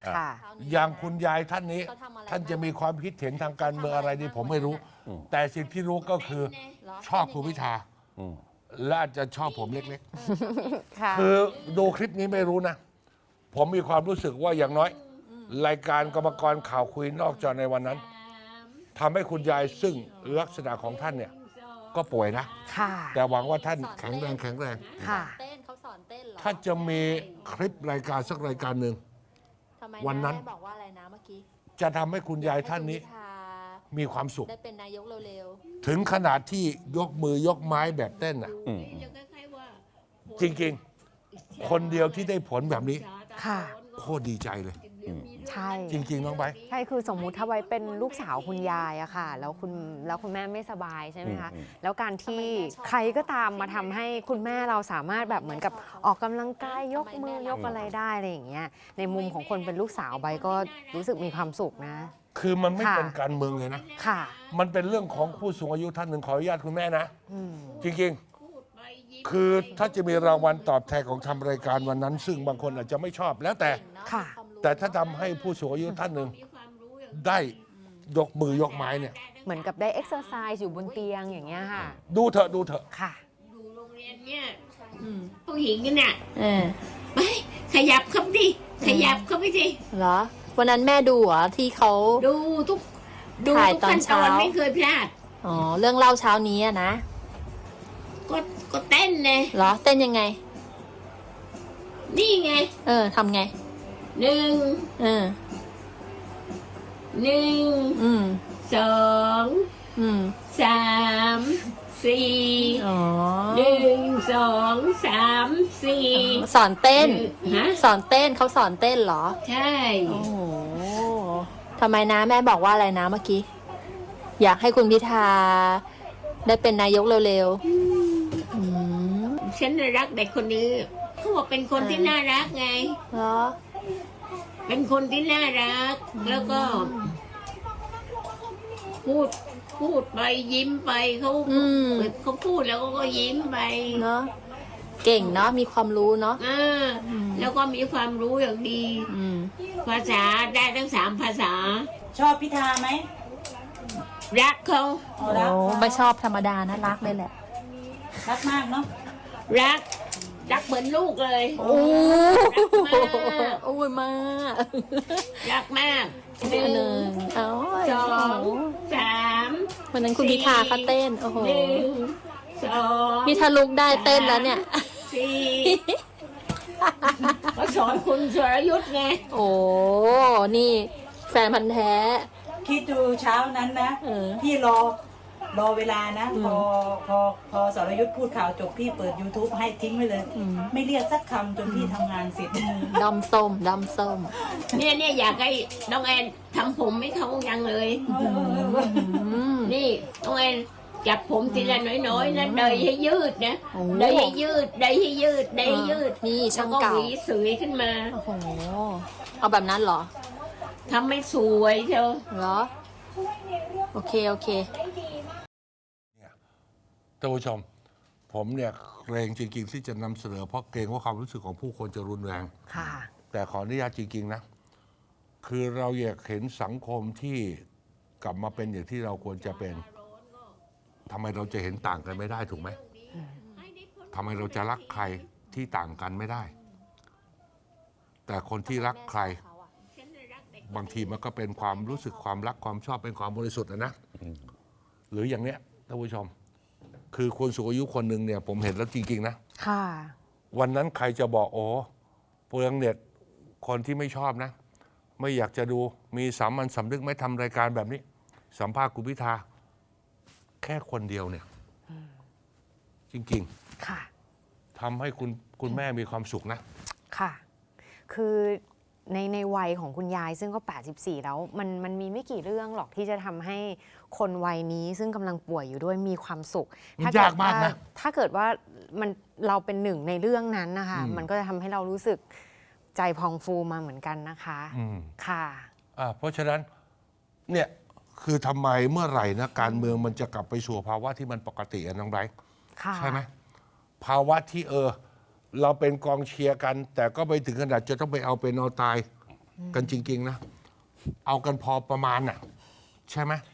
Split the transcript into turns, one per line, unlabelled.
ค่ะ
อย่างคุณยายท่านนี้ท่านจะมีความคิดเห็นทางการเมืองอะไรนี่ผมไม่รู้ แต่สิ่งที่รู้ก็คือชอบคุณพิธาและอาจจะชอบผมเล็กๆคือดูคลิปนี้ไม่รู้นะ ผมมีความรู้สึกว่าอย่างน้อย รายการกรรมกรข่าวคุยนอกจอในวันนั้นทำให้คุณยายซึ่งลักษณะของท่านเนี่ยก็ป่วยนะแต่หวังว่าท่านแข็งแรง
ค่ะ
เขาสอนเต้นเหรอ
ถ้าจะมีคลิปรายการสักรายการหนึ่ง
ทำไม
วันนั้น
แม่บอกว่าอะไรนะเมื่อกี้
จะทำให้คุณยายท่านนี้
ให้คุณพิธา
มีความสุข
ได้เป็นนายกเร็ว
ถึงขนาดที่ยกมือยกไม้แบบเต้นอ่ะจริงๆ คนเดียวที่ได้ผลแบบนี้
ค่ะ
โคตรดีใจเลย
ใช่
จริง ๆ น้องไบร์ท
ใช่คือสมมุติถ้าไว้เป็นลูกสาวคุณยายอะค่ะ แล้วคุณแม่ไม่สบายใช่ไหมคะแล้วการที่ใครก็ตามมาทำให้คุณแม่เราสามารถแบบเหมือนกับออกกำลังกายยกมือยกอะไรได้อะไรอย่างเงี้ยในมุมของคนเป็นลูกสาวใบก็รู้สึกมีความสุขนะ
คือมันไม่
ค่ะ
เป็นการเมืองเลยนะ
ค่ะ
มันเป็นเรื่องของผู้สูงอายุท่านหนึ่งขออนุญาตคุณแม่นะ จริงๆ คือถ้าจะมีรางวัลตอบแทนของทำรายการวันนั้น ซึ่งบางคนอาจจะไม่ชอบแล้วแต่
ๆ
ค่ะ
แต่ถ้าทำให้ผู้สูงอายุท่านหนึ่งได้ยกมือยกไม้เนี่ย
เหมือนกับได้เอ็กซ์ไซส์อยู่บนเตียงอย่างเงี้ยค่ะ
ดูเถอะดูเถอะ
ค่ะ
อยู่โรงเรียนเนี่ยผู้หญิงกันเนี่ย
เออ
ไปขยับเข้าไปดิขยับเข้าไปสิ
เหรอ วันนั้นแม่ดูเหรอที่เขา
ดูทุก
ถ่าย
ทุก
ตอน
ขั้นตอน
เช้า
ไม่เคยพลาด
อ๋อ เรื่องเล่าเช้านี้อะนะ
ก็เต้นเลย
เหรอ เต้นยังไง
นี่ไง
เออทำไง
หนึ่ง
เออ
หนึ่ง
อืม
สอง
อืม
สามสี่
อ๋อ
หนึ่งสองสามสี่
สอนเต้น
ฮะ
สอนเต้นเขาสอนเต้นเหรอ
ใช่
โอ้โหทำไมนะแม่บอกว่าอะไรนะเมื่อกี้ อยากให้คุณพิธาได้เป็นนายกเร็วๆอืม
ฉันรักเด็กคนนี้เขาบอกเป็นคนที่น่ารักไง
เหรอ
เป็นคนที่น่ารัก แล้วก็ พูดไปยิ้มไปเขา
อืม
เขาพูดแล้วก็ยิ้มไป
เนาะเก่งเนาะมีความรู้เนาะ
แล้วก็มีความรู้อย่างดี
อืม
ภาษาได้ทั้ง3 ภาษา
ชอบพิธาไหม
รักเขา
อ๋อ
โอ้
รัก
ไม่ชอบธรรมดานะรักเลยแหละ
รักมากเนาะ
รักเหมือนลูกเลย
โอ้
รักมาก
โอ้ยมาก
รักมากห
ห
นึ่
นึ่
ง
งเอา
สองสาม
วันนั้นคุณพิธาเขาเต้น โอ้โห
หนึ่งสอง
พี่ทะลุกได้เต้นแล้วเนี่ย
สี่ก็สอนคุณสรยุทธ์ไง
โอ้ นี่แฟนพันธ์แท้
คิดดูเช้านั้นนะ
เออ
พี่รอเวลานะ พอสรยุทธ์พูดข่าวจบพี่เปิด YouTube ให้ทิ้งไว้เลย ไม่เรียกสักคำจนพี่ทำงานเสร็จ
ดำส้มดำส้ม
เนี่ยอยากให้น้องแอนทำผมให้เขายังเลย
อืม
นี่น้องแอนจับผมทีละน้อยๆนะเดยให้ยืดนะ
โอ้
เดยให้ยืดเดยให้ยืดเดยให้ยืด
นี่ช่าง
แล้วก็
เก่า
หวีสวยขึ้นมา
โอ้โห เอาแบบนั้นเหรอ
ทำให้สวยเชียว
เหรอ โอเค โอเค
ท่านผู้ชม ผมเนี่ยเกรงจริงๆที่จะนำเสนอเพราะเกรงว่าความรู้สึกของผู้คนจะรุนแรง
ค่ะ
แต่ขออนุญาตจริงๆนะ คือเราอยากเห็นสังคมที่กลับมาเป็นอย่างที่เราควรจะเป็นทำไมเราจะเห็นต่างกันไม่ได้ถูกไหมทำไมเราจะรักใครที่ต่างกันไม่ได้ แต่คนที่รักใคร บางทีมันก็เป็นความรู้สึกความรักความชอบเป็นความบริสุทธิ์นะหรืออย่างเนี้ยท่านผู้ชม คือคนสูงอายุคนหนึ่งเนี่ยผมเห็นแล้วจริงๆนะ
ค่ะ
วันนั้นใครจะบอกโอ้เปลืองเน็ตคนที่ไม่ชอบนะ ไม่อยากจะดูมีสามัญสำนึกไม่ทำรายการแบบนี้ สัมภาษณ์คุณพิธาแค่คนเดียวเนี่ยจริง
ค่ะ
ๆทำให้คุณแม่มีความสุขนะ
ค่ะ คือในวัยของคุณยายซึ่งก็ 84 แล้วมันมีไม่กี่เรื่องหรอกที่จะทำให้คนวัยนี้ซึ่งกำลังป่วยอยู่ด้วยมีความสุข
มันยากมากนะ
ถ้าเกิดว่าเราเป็นหนึ่งในเรื่องนั้นนะคะ มันก็จะทำให้เรารู้สึกใจพองฟูมาเหมือนกันนะคะ ค่ะ
เพราะฉะนั้นเนี่ยคือทำไมเมื่อไหร่นะการเมืองมันจะกลับไปสู่ภาวะที่มันปกติอะน้องไบรท์
ค่ะ
ใช่ไหมภาวะที่เราเป็นกองเชียร์กัน แต่ก็ไปถึงขนาดจะต้องไปเอาเป็นเอาตายกันจริง ๆ นะ เอากันพอประมาณน่ะ ใช่ไหม